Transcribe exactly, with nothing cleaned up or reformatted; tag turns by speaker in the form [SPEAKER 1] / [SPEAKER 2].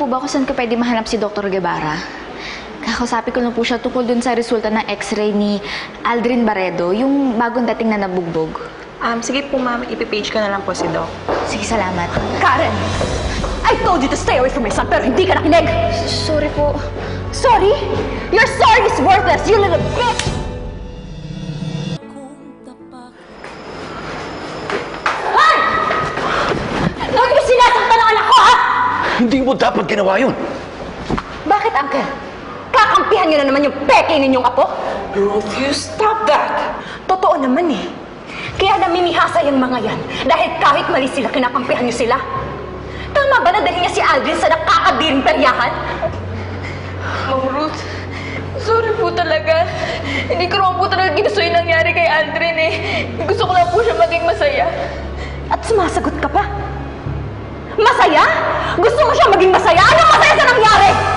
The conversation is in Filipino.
[SPEAKER 1] po ba kung saan ko pwede mahanap si Doctor Guevara? Kakausapin ko na po siya tungkol dun sa resulta ng x-ray ni Aldrin Barredo, yung bagong dating na nabugbog.
[SPEAKER 2] Um, sige po, ma'am. Ipipage ko na lang po si Doc.
[SPEAKER 1] Sige, salamat.
[SPEAKER 3] Karen! I told you to stay away from my son, pero hindi ka nakinig!
[SPEAKER 1] Sorry po.
[SPEAKER 3] Sorry? Your sorry is worthless, you little bitch! Hoy! Huwag niyo sinasaktan ang anak ko, ha?
[SPEAKER 4] Hindi mo dapat ginawa yun.
[SPEAKER 3] Bakit, Uncle? Kakampihan niyo na naman yung peke ninyong apo?
[SPEAKER 2] Ruth, you stop that!
[SPEAKER 3] Totoo naman eh. Kaya namimihasa yung mga yan dahil kahit mali sila, kinakampihan niyo sila. Tama ba na dahil niya si Aldrin sa nakakadiring peryahan?
[SPEAKER 2] Ma'am Ruth, sorry po talaga. Hindi ko naman po talaga ginusto yung nangyari kay Aldrin eh. Gusto ko lang po siya maging masaya.
[SPEAKER 3] At sumasagot ka pa? Masaya? Gusto mo siya maging masaya? Anong masaya sa nangyari?